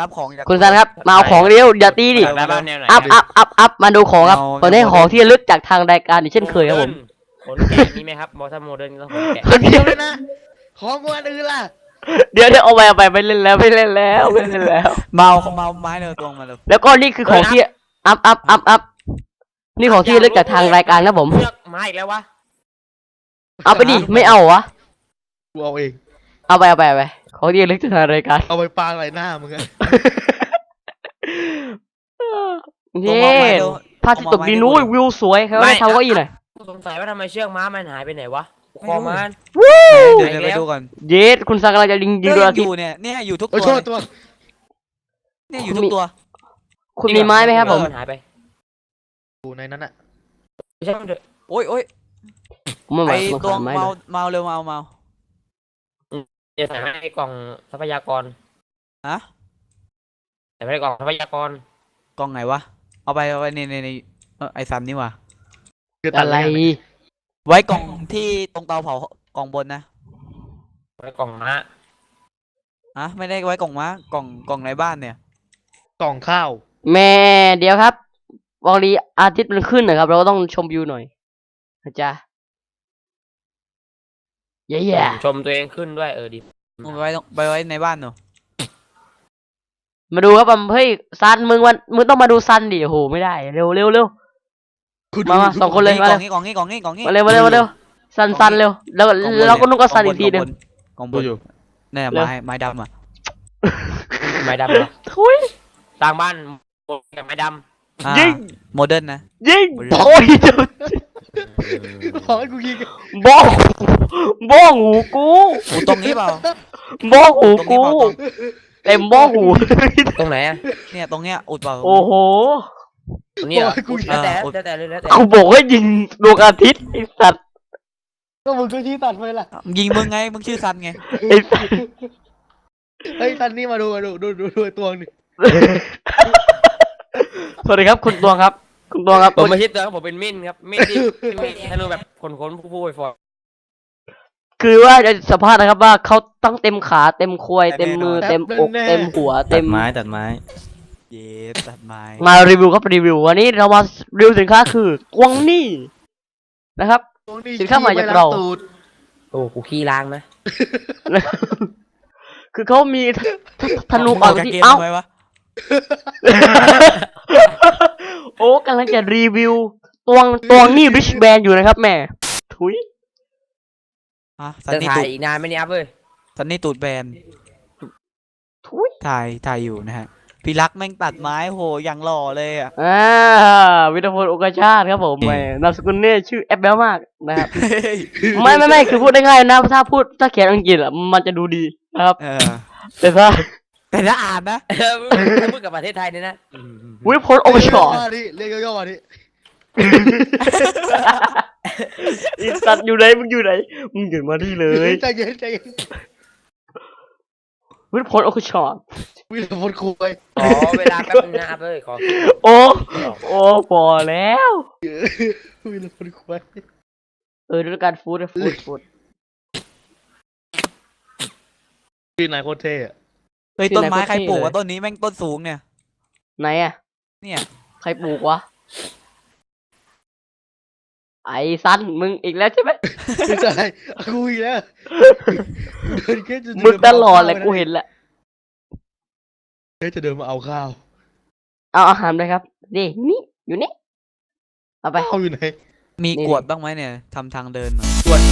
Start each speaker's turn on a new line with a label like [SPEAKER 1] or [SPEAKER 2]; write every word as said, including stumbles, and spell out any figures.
[SPEAKER 1] รับของจาก
[SPEAKER 2] คุณซันครับมาเอาของเร็วอย่าตีดิอัพอัพอัพอัพมาดูของครับตอนนี้ของที่ระลึกจากทางรายการอย่างเช่นเคยครับผม
[SPEAKER 3] ขนแกะมีไหมครับมอถ้าโมเดิร์นต้องขนแกะ
[SPEAKER 4] คนเดียวเลยนะของกูอันอื่นล่ะ
[SPEAKER 2] เดี๋ยวเดี๋ยวเอาไปเอาไปไปเล่นแล้วไปเล่นแล้วไปเล่นแล้ว
[SPEAKER 1] เมาเมาไม้เลยตรงมาเลย
[SPEAKER 2] แล้วก็นี่คือของที่อัพอัพอัพอัพนี่ของที่ระลึกจากทางรายการครับผม
[SPEAKER 3] เลือกไม้อีกแล้ววะ
[SPEAKER 2] เอาไปดิไม่เอาวะ
[SPEAKER 4] กูเอาเอง
[SPEAKER 2] เอาไปเอาไปเอาไปของที่ระลึกจากทางรายการ
[SPEAKER 4] เอาไปปาอะไรหน้ามึงอะ
[SPEAKER 2] เย้ภาพที่ตกดีนู้ยวิวสวยเขาให้ทำก็อีหน่อย
[SPEAKER 3] สงสัยว่าทำไมเชือกม้ามันหายไปไหนวะคอมัน
[SPEAKER 2] วู้
[SPEAKER 1] เดี๋ยวไปดูก่อน
[SPEAKER 2] เย้คุณซังกำลังจะยิงยิงดวงอาทิตย์
[SPEAKER 1] อยู่เนี่ยเนี่ยอยู่ทุก
[SPEAKER 4] โอ้
[SPEAKER 1] ตัว
[SPEAKER 4] โทษตัว
[SPEAKER 1] เนี่ยอยู่ทุกตัว
[SPEAKER 2] คุณมีไม้ไหมครับผม
[SPEAKER 3] มันหายไป
[SPEAKER 4] กูในนั้นอะ
[SPEAKER 3] ไม่ใช่มันเถอะ
[SPEAKER 1] โอ้ยโอ้ยไอตัวเมาเมาเร็วเมาเมา
[SPEAKER 3] จะใส่ให้กล่องทรัพยากร
[SPEAKER 1] ฮะ
[SPEAKER 3] ใส่ให้กล่องทรัพยากร
[SPEAKER 1] กล่องไหนวะเอาไปเอาไปในในในไอซันนี่วะ
[SPEAKER 2] อะไร
[SPEAKER 1] ไว้กล่องที่ตรงเตาเผากล่องบนนะ
[SPEAKER 3] ไว้กล่องม้า
[SPEAKER 1] อะไม่ได้ไว้กล่องม้ากล่องกล่องในบ้านเนี่ย
[SPEAKER 4] กล่องข้าว
[SPEAKER 2] แม่เดี๋ยวครับวันนี้อาทิตย์มันขึ้นนะครับเราก็ต้องชมวิวหน่อยนะจ๊ะเย่
[SPEAKER 3] ๆชมตัวเองขึ้นด้วยเออดี
[SPEAKER 1] ไปไว้ไปไว้ในบ้านหนู
[SPEAKER 2] มาดูครับเฮ้ยซันมึงวันมึงต้องมาดูซันดิโอ้โหไม่ได้เร็วเร็วเร็วมามาสองคนเลย
[SPEAKER 1] มากล่องนี้กล่องนี้กล่องนี้กล่องนี้
[SPEAKER 2] มาเร็วมาเร็วมาเร็วซันซันเร็วแล้วเราก็นุ่งก็ซันอีกทีนึง
[SPEAKER 1] กล่องบนอยู่เนี่ยไม้ไม้ดำอ่ะ
[SPEAKER 3] ไม้ดำเหรอ
[SPEAKER 2] ทุย
[SPEAKER 3] ต่างบ้านกับไม้ด
[SPEAKER 1] ำยิงโมเดิร์นนะ
[SPEAKER 2] ยิงโอ้ย
[SPEAKER 4] ขอให้กูยิง
[SPEAKER 2] บ้องบ้องหูกู
[SPEAKER 1] หูตรงนี้เปล่า
[SPEAKER 2] บ้องหูกูเต็มบ้องหู
[SPEAKER 3] ตรงไหนอ่ะ
[SPEAKER 1] เนี่ยตรงเนี้ยอุดเปล่า
[SPEAKER 2] โอ้โห
[SPEAKER 3] ตรงนี้เหรอแล้วแต่แล้วแต่เลยแล้วแต่
[SPEAKER 2] กูบอกให้ยิงดวงอาทิตย์ไอ้สัตว์
[SPEAKER 4] ก็มึงก็ชี้ตัดไปล่ะ
[SPEAKER 1] ยิงมึงไงมึงชื่อซันไง
[SPEAKER 2] ไอ้สัตว์
[SPEAKER 4] เฮ้ยซันนี่มาดูมาดูดูดูดูตัวนึง
[SPEAKER 2] สวัสดีครับคุณตวงครับคุณตวงครับ
[SPEAKER 3] ผมไม่ใช่ตัวครับผมเป็นมิ้นครับมิ้นที่ให้รู้แบบคนคนผู้ผู้ไปฟอร์
[SPEAKER 2] คือว่าจะสัมภาษณ์นะครับว่าเขาตั้งเต็มขาเต็มควยเต็มมือเต็มอกเต็มหัวเต็ม
[SPEAKER 1] ไม้ตัดไม้เย็บตัดไม้
[SPEAKER 2] มารีวิวครับรีวิววันนี้เรามารีวิวสินค้าคือกวางนี่นะครับสินค้าใหม่จากเรา
[SPEAKER 3] โอ้กูขี้ล้างนะ
[SPEAKER 2] คือเขามีธนูออกที่เอ้าโอ้กำลังจะรีวิวตวงตวงนี่ริชแบนอยู่นะครับแม่ถุย
[SPEAKER 3] จะถ่ายอีกนานไหมเนี่ยครับเว้ย
[SPEAKER 1] ซันนี่ตูดแบน
[SPEAKER 2] ถุย
[SPEAKER 1] ถ่ายถ่ายอยู่นะฮะพี่รักแม่งตัดไม้โหอย่างหล่อเลยอ่ะ
[SPEAKER 2] อ่าวิทยาพลโอกาชาติครับผมแม่นามสกุลเนี่ยชื่อแอปเบลมากนะครับไม่ไม่ไม่คือพูดได้ง่ายนะถ้าพูดถ้าเขียนอังกฤษอ่ะมันจะดูดีนะครับแต่ถ้า
[SPEAKER 1] แต่ถ้าอ่านนะ
[SPEAKER 3] พูดกับประเทศไทยเนี่ยนะ
[SPEAKER 2] วิทยาพลโอกาชาติ
[SPEAKER 4] เรียกย่อๆมาดิ
[SPEAKER 2] อีสัตว์อยู่ไหนมึงอยู่ไหนมึงอยู่มาที่เลย
[SPEAKER 4] ใจเย็นใจเย็น
[SPEAKER 2] วิทยาพลโอกาชาติ
[SPEAKER 4] วิทยาพลคุย
[SPEAKER 3] อ๋อเวลาแป๊บนึงนะครับเลยขอ
[SPEAKER 2] โอ้โอ้พอแล้ว
[SPEAKER 4] วิทยาพลคุย
[SPEAKER 2] เออด้วยการฟูดฟูดฟูด
[SPEAKER 4] ชื่อนายโคตรเท่อะ
[SPEAKER 1] เฮ้ยต้นไม้ใครปลูกวะต้นนี้แม่งต้นสูงเนี่ย
[SPEAKER 2] ไหนอะ
[SPEAKER 1] เนี่ย
[SPEAKER 2] ใครปลูกวะไอ้ซันมึงอีกแล้วใช่ไหม
[SPEAKER 4] ไม่ใช่กูอีกแล้ว
[SPEAKER 2] มึงตลอดเลยกูเห็นแหละ
[SPEAKER 4] เฮ้ยจะเดินมาเอาข้าว
[SPEAKER 2] เอาอาหารเลยครับนี่นี่อยู่นี่เอาไป
[SPEAKER 4] ข้าวอยู่ไหน
[SPEAKER 1] มีกวดบ้างไหมเนี่ยทำทางเดิน
[SPEAKER 3] กวด